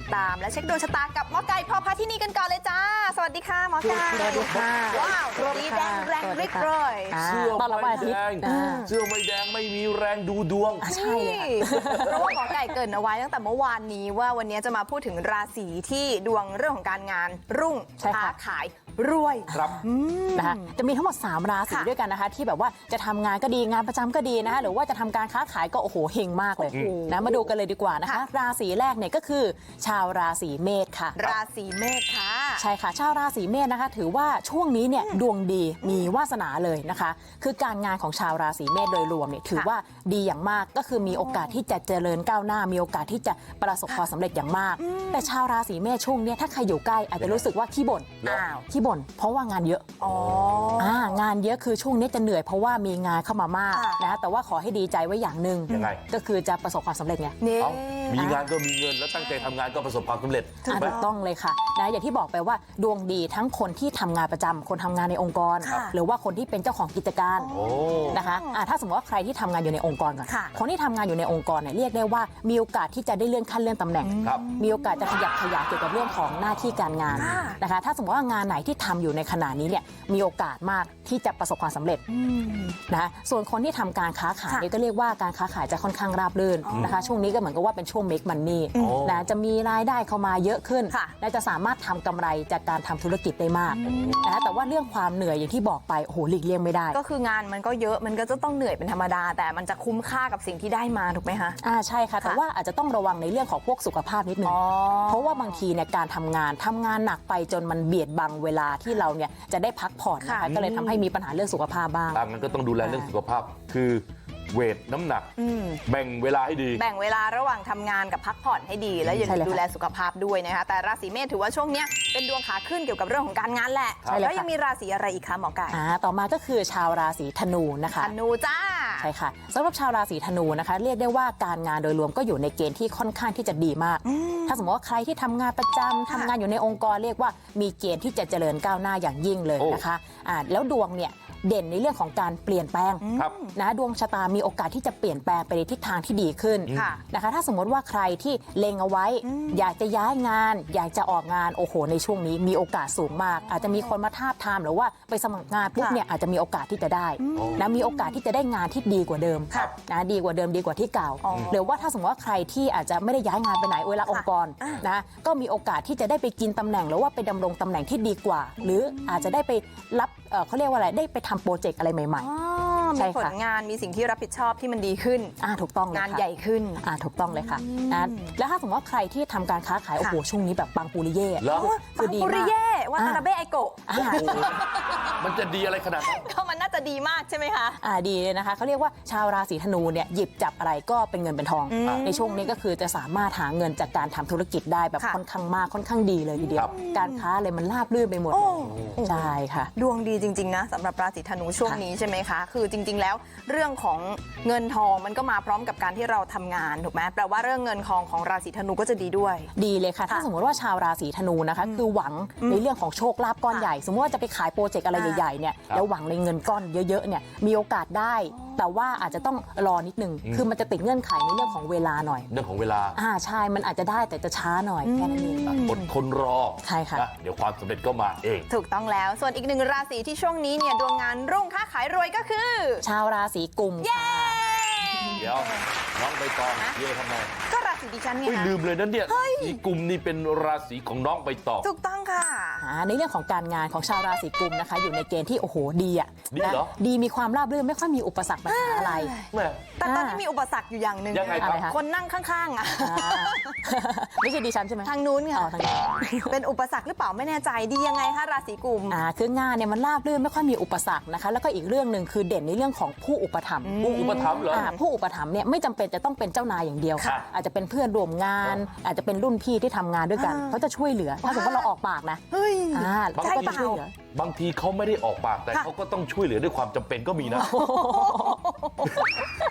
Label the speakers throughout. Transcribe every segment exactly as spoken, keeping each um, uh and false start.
Speaker 1: ตามและเช็คดวงชะตากับหมอไก่พอพาที่นี่กันก่อนเลยจ้าสวัสดีค่ะหมอไก่
Speaker 2: สวัสดีค่ะ
Speaker 1: ว้าวดีแดงแรงริกเลย
Speaker 3: เสื้อไม่แดงเสื้อไม่แดงไม่มีแรงดูดวง
Speaker 1: ใช่เลยเพราะว่าหมอไก่เกริ่นเอาไว้ตั้งแต่เมื่อวานนี้ว่าวันนี้จะมาพูดถึงราศีที่ดวงเรื่องของการงานรุ่งค้าขายรวย
Speaker 3: ครับ
Speaker 2: นะคะจะมีทั้งหมดสามราศีด้วยกันนะคะที่แบบว่าจะทำงานก็ดีงานประจำก็ดีนะคะหรือว่าจะทำการค้าขายก็โอ้โหเฮงมากเลยนะมาดูกันเลยดีกว่านะคะราศีแรกเนี่ยก็คือชาวราศีเมษค่ะ
Speaker 1: ราศีเมษค่ะ
Speaker 2: ใช่ค่ะชาวราศีเมษนะคะถือว่าช่วงนี้เนี่ยดวงดีมีวาสนาเลยนะคะคือการงานของชาวราศีเมษโดยรวมเนี่ยถือว่าดีอย่างมากก็คือมีโอกาสที่จะเจริญก้าวหน้ามีโอกาสที่จะประสบความสำเร็จอย่างมากแต่ชาวราศีเมษช่วงนี้ถ้าใครอยู่ใกล้อาจจะรู้สึกว่าขี้บ่นอ้าวขี้บ่นเพราะว่างานเยอะอ๋องานเยอะคือช่วงนี้จะเหนื่อยเพราะว่ามีงานเข้ามามากนะแต่ว่าขอให้ดีใจไว้อย่างหนึ่งก็คือจะประสบความสำเร็จไง
Speaker 3: มีงานก็มีเงินแล้วตั้งใจทำงานก็ประสบความสำเร็จ
Speaker 2: ถูกต้องเลยค่ะนะอย่างที่บอกไปว่าดวงดีทั้งคนที่ทำงานประจำคนทำงานในองค์กรหรือว่าคนที่เป็นเจ้าของกิจการนะคะถ้าสมมติว่าใครที่ทำงานอยู่ในองค์กรก่อนคนที่ทำงานอยู่ในองค์กรเนี่ยเรียกได้ว่ามีโอกาสที่จะได้เลื่อนขั้นเลื่อนตำแหน่งมีโอกาสจะขยับขยายเกี่ยวกับเรื่องของหน้าที่การงานนะคะถ้าสมมติว่างานไหนที่ทำอยู่ในขณะนี้เนี่ยมีโอกาสมากที่จะประสบความสำเร็จนะส่วนคนที่ทำการค้าขายนี่ก็เรียกว่าการค้าขายจะค่อนข้างราบรื่นนะคะช่วงนี้ก็เหมือนกับว่าเป็นช่วง make money นะจะมีรายได้เข้ามาเยอะขึ้นและจะสามารถทำกำไรจากการทำธุรกิจได้มากนะแต่ว่าเรื่องความเหนื่อยอย่างที่บอกไปโอ้โหหลีกเลี่ยงไม่ได้
Speaker 1: ก็คืองานมันก็เยอะมันก็จะต้องเหนื่อยเป็นธรรมดาแต่มันจะคุ้มค่ากับสิ่งที่ได้มาถูกไหมคะ
Speaker 2: อ่าใช่ค่ะแต่ว่าอาจจะต้องระวังในเรื่องของพวกสุขภาพนิดนึงเพราะว่าบางทีเนี่ยการทำงานทำงานหนักไปจนมันเบียดบังเวลาที่เราเนี่ยจะได้พักผ่อนนะคะก็เลยทำให้มีปัญหาเรื่องสุขภาพบ้าง
Speaker 3: ดังนั้นก็ต้องดูแลเรื่องสุขภาพคือเวทน้ำหนักแบ่งเวลาให้ดี
Speaker 1: แบ่งเวลาระหว่างทำงานกับพักผ่อนให้ดีแล้วอย่าลืมดูแลสุขภาพด้วยนะคะแต่ราศีเมษถือว่าช่วงนี้เป็นดวงขาขึ้นเกี่ยวกับเรื่องของการงานแหละแล้วยังมีราศีอะไรอีกคะหมอไก่
Speaker 2: อ่าต่อมาก็คือชาวราศีธนูนะคะ
Speaker 1: ธนูจ้า
Speaker 2: ใช่ค่ะสำหรับชาวราศีธนูนะคะเรียกได้ว่าการงานโดยรวมก็อยู่ในเกณฑ์ที่ค่อนข้างที่จะดีมากถ้าสมมติว่าใครที่ทำงานประจำทำงานอยู่ในองค์กรเรียกว่ามีเกณฑ์ที่จะเจริญก้าวหน้าอย่างยิ่งเลยนะคะอ่าแล้วดวงเนี่ยเด่นในเรื่องของการเปลี่ยนแปลงนะดวงชะตามีโอกาสที่จะเปลี่ยนแปลงไปในทิศทางที่ดีขึ้นนะคะถ้าสมมติว่าใครที่เล็งเอาไว้อยากจะย้ายงานอยากจะออกงานโอ้โหในช่วงนี้มีโอกาสสูงมากอาจจะมีคนมาทาบทามหรือว่าไปสมัครงานปุ๊บเนี่ยอาจจะมีโอกาสที่จะได้นะมีโอกาสที่จะได้งานที่ดีกว่าเดิมนะดีกว่าเดิมดีกว่าที่เก่าหรือว่าถ้าสมมติว่าใครที่อาจจะไม่ได้ย้ายงานไปไหนเวลาองค์กรนะก็มีโอกาสที่จะได้ไปกินตำแหน่งหรือว่าไปดำรงตำแหน่งที่ดีกว่าหรืออาจจะได้ไปรับเขาเรียกว่าอะไรได้ไปทำโปรเจกต์อะไรใหม่
Speaker 1: ๆมีผลงานมีสิ่งที่รับผิดชอบที่มันดีขึ้น
Speaker 2: อ่าถูกต้อง
Speaker 1: งานใหญ่ขึ้น
Speaker 2: อ่าถูกต้องเลยค่ะนะแล้วถ้าสมมติว่าใครที่ทำการค้าขายโอ้โหช่วงนี้แบบปังปูริเย่
Speaker 1: ปังปูริเย่วาตานาเบะไอโกะ
Speaker 3: มันจะดีอะไรขนาดนั้น
Speaker 1: ก็มันน่าจะดีมากใช่ไหมคะ
Speaker 2: อ่าดีเลยนะคะเขาเรียกว่าชาวราศีธนูเนี่ยหยิบจับอะไรก็เป็นเงินเป็นทองในช่วงนี้ก็คือจะสามารถหาเงินจากการทำธุรกิจได้แบบค่อนข้างมากค่อนข้างดีเลยทีเดียวการค้าเลยมันราบรื่นไปหมดใช่ค่ะ
Speaker 1: ดวงดีจริงๆนะสำหรับราศีธนูช่วงนี้ใช่ไหมคะคือจริงๆแล้วเรื่องของเงินทองมันก็มาพร้อมกับการที่เราทำงานถูกไหมแปลว่าเรื่องเงินทองของราศีธนูก็จะดีด้วย
Speaker 2: ดีเลยค่ะถ้าสมมติว่าชาวราศีธนูนะคะคือหวังในเรื่องของโชคลาภก้อนใหญ่สมมติว่าจะไปขายโปรเจกต์อะไรใหญ่ๆเนี่ยแล้วหวังในเงินก้อนเยอะๆเนี่ยมีโอกาสได้แต่ว่าอาจจะต้องรอนิดนึงคือมันจะติดเงื่อนไขในเรื่องของเวลาหน่อย
Speaker 3: เรื่องของเวลา
Speaker 2: อ่าใช่มันอาจจะได้แต่จะช้าหน่อยแค่นั้นเอง
Speaker 3: อดทนรอ
Speaker 2: ใช่ค่ะ
Speaker 3: เดี๋ยวความสำเร็จก็มาเอง
Speaker 1: ถูกต้องแล้วส่วนอีกหนึ่งราศีที่ช่วงนี้เนี่ยดวงงานรุ่งค้าขายรวยก็คือ
Speaker 2: ชาวราศีกุมค่ะ
Speaker 3: เดี๋ยวน้องใบตองเย่ทำไม
Speaker 1: ก็ราศีดิฉันไง
Speaker 3: ลืมเลยนั่นเนี่ยสีกุมนี่เป็นราศีของน้องใบตอง
Speaker 1: ถูกต้องค่ะ
Speaker 2: ในเรื่องของการงานของชาวราศีกุมนะคะอยู่ในเกณฑ์ที่โอ้โหดีอ่ะ
Speaker 3: ดีเหรอ
Speaker 2: ดีมีความราบรื่นไม่ค่อยมีอุปสรรคปัญหาอะไร
Speaker 1: แต่ตอนนี้มีอุปสรรคอยู่อย่างหนึ่งคนนั่งข้างๆอ่ะ
Speaker 2: ไม่ใช่ดิฉันใช่ไหม
Speaker 1: ทางนู้นค่ะเป็นอุปสรรคหรือเปล่าไม่แน่ใจดียังไงคะราศีกุม
Speaker 2: อ่าคืองานเนี่ยมันราบรื่นไม่ค่อยมีอุปสรรคนะคะแล้วก็อีกเรื่องหนึ่งคือเด่นในเรื่องของผู้อุปถัมภ์
Speaker 3: ผู้อุปถัมภ์เหรอ
Speaker 2: ผู้อุปถัมภ์เนี่ยไม่จำเป็นจะต้องเป็นเจ้านายอย่างเดียวอาจจะเป็นเพื่อนร่วมงานอาจจะเป็นรุ่นพี่ที่ทำงานด้วยกันเขาจะช่วยเหลือถ้าสมมติว่าเราออกปากนะ
Speaker 1: เฮ้ย
Speaker 3: ใช่เปล่าบางทีเขาไม่ได้ออกปากแต่เขาก็ต้องช่วยเหลือด้วยความจำเป็นก็มีนะ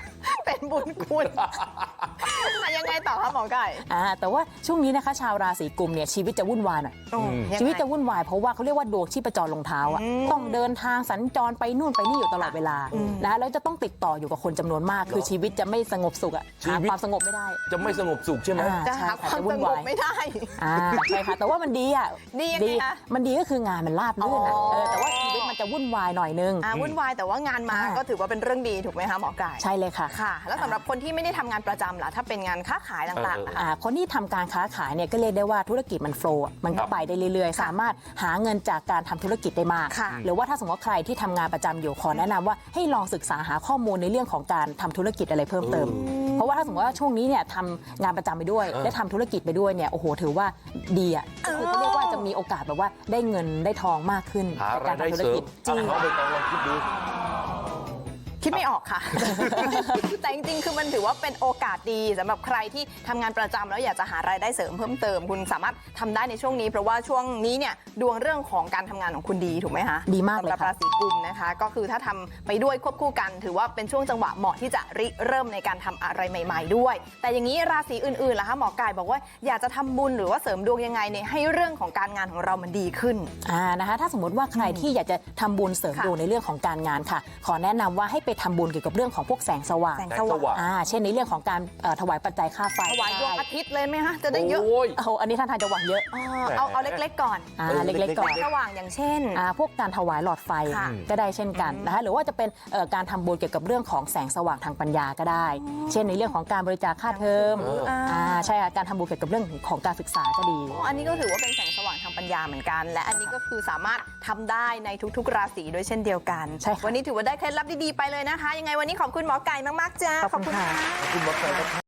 Speaker 1: เป็นบุญคุณยังไงต่อคะหมอไก่
Speaker 2: อ่าแต่ว่าช่วงนี้นะคะชาวราศีกุมเนี่ยชีวิตจะวุ่นวายหน่อย
Speaker 1: อืมยังไง
Speaker 2: ชีวิตจะวุ่นวายเพราะว่าเขาเรียกว่าดวงชีพจรลงเท้าอ่ะ
Speaker 1: อืม
Speaker 2: ต้องเดินทางสัญจรไปนู่นไปนี่อยู่ตลอดเวลา
Speaker 1: อืม
Speaker 2: นะแล้วจะต้องติดต่ออยู่กับคนจำนวนมาก คือชีวิตจะไม่สงบสุขอ่ะ
Speaker 3: ชี
Speaker 2: หา
Speaker 3: วิต
Speaker 2: ความสงบไม่ได้
Speaker 3: จะไม่สงบสุขใช่ไหม
Speaker 2: อ่า
Speaker 1: จะหา
Speaker 2: ใช่
Speaker 1: ความ
Speaker 2: จะ
Speaker 1: ส
Speaker 2: วุ่น
Speaker 1: งบ
Speaker 2: วาย
Speaker 1: ไม่ได้
Speaker 2: อ่าใช่ค่ะแต่ว่ามันดีอ่ะ
Speaker 1: ดียังไงคะ
Speaker 2: มันดีก็คืองานมันราบรื่นอ่ะ
Speaker 1: อ๋อ
Speaker 2: เออแต่ว่าชีวิตมันจะวุ่นวายหน่อยนึง
Speaker 1: อ่าวุ่นวายแต่ว่างานมา
Speaker 2: อ่า
Speaker 1: ก็ถือว่าเป็นเรื่องดีถูกไหมคะหมอไก่
Speaker 2: ใช่เลยค่ะ
Speaker 1: ค่ะ แล้วสำหรับคนที่ไม่ได้ทำงานประจำล่ะถ้าเป็นงานค้าขายต่างๆนะคะ
Speaker 2: อ่าคนที่ทำการค้าขายเนี่ยก็เรียกได้ว่าธุรกิจมันโฟล์อะมันก็ไปได้เรื่อยๆ สามารถหาเงินจากการทำธุรกิจได้มาก
Speaker 1: ค่ะ
Speaker 2: หรือว่าถ้าสมมติว่าใครที่ทำงานประจำอยู่ขอแนะนำว่าให้ลองศึกษาหาข้อมูลในเรื่องของการทำธุรกิจอะไรเพิ่มเติม เพราะว่าถ้าสมมติว่าช่วงนี้เนี่ยทำงานประจำไปด้วย
Speaker 3: เออ
Speaker 2: และทำธุรกิจไปด้วยเนี่ยโอ้โหถือว่าดีอ่ะก็คือเขาเรียกว่าจะมีโอกาสแบบว่าได้เงินได้ทองมากขึ้น
Speaker 3: หา
Speaker 2: จากาย ร
Speaker 3: รารได้
Speaker 2: ทำธุร
Speaker 3: เสริ
Speaker 2: กิ
Speaker 3: ม
Speaker 2: จ
Speaker 3: อ่ะน้องใบตองลองคิดดู
Speaker 1: คิดไม่ออกค่ะ แต่จริงๆ คือมันถือว่าเป็นโอกาสดีสำหรับใครที่ทำงานประจำแล้วอยากจะหารายได้เสริมเพิ่มเติม คุณสามารถทำได้ในช่วงนี้ เพราะว่าช่วงนี้เนี่ยดวงเรื่องของการทำงานของคุณดีถูกไหมคะ
Speaker 2: ดีมากเลย
Speaker 1: สำหรับ
Speaker 2: ค่ะ
Speaker 1: ราศีกุมนะคะ ก็คือถ้าทำไปด้วยควบคู่กัน ถือว่าเป็นช่วงจังหวะเหมาะที่จะริเริ่มในการทำอะไรใหม่ ๆ ด้วย แต่อย่างนี้ราศีอื่นๆล่ะคะหมอไก่บอกว่าอยากจะทำบุญหรือว่าเสริมดวงยังไงเนี่ยให้เรื่องของการงานของเรามันดีขึ้น
Speaker 2: อ่านะคะถ้าสมมติว่าใครที่อยากจะทำบุญเสริม
Speaker 1: ค่ะ
Speaker 2: ดวงในเรื่องของการงานค่ะ ขอแนะนำว่าให้ไปทำบุญเกี่ยวกับเรื่องของพวกแสงสว่าง
Speaker 1: แสง
Speaker 3: แสงสว่าง
Speaker 2: อ่าเช่นในเรื่องของการเอ่อถวายปัจจัยค่าไฟ
Speaker 1: ถวายดวงอาทิตย์เลยไหมคะจะได้เยอะ
Speaker 3: โอ้ย
Speaker 2: โอ้โหอันนี้ท่านทางจะหวังเยอะ
Speaker 1: อ๋อเอาเอาเล็กๆก่อน
Speaker 2: อ่า
Speaker 3: เออ
Speaker 2: เล็กๆก่อน
Speaker 1: สว่างอย่างเช่น
Speaker 2: อ่าพวกการถวายหลอดไฟ
Speaker 1: ค่ะ
Speaker 2: ก็ได้เช่นกันนะคะหรือว่าจะเป็นเอ่อการทำบุญเกี่ยวกับเรื่องของแสงสว่างทางปัญญาก็ได้ เช่นในเรื่องของการบริจาคค่าเทอม
Speaker 3: เออ
Speaker 2: อ่าใช่ค่ะการทำบุญเกี่ยวกับเรื่องของการศึกษาก็ดี
Speaker 1: อ๋ออันนี้ก็ถือว่าเป็นแสงสว่างทางปัญญาเหมือนกัน และอันนี้ก็คือสามารถทำได้ในทุกๆ ราศีด้วยเช่นเดียวกัน
Speaker 2: ใช่ค่ะ
Speaker 1: วันนี้ถือว่าได้เคล็ดลับดีๆไปเลยนะคะ ยังไงวันนี้ขอบคุณหมอไก่มากๆจ้า
Speaker 2: ขอบคุณค่ะ
Speaker 3: ขอบคุณหมอไก่นะครับ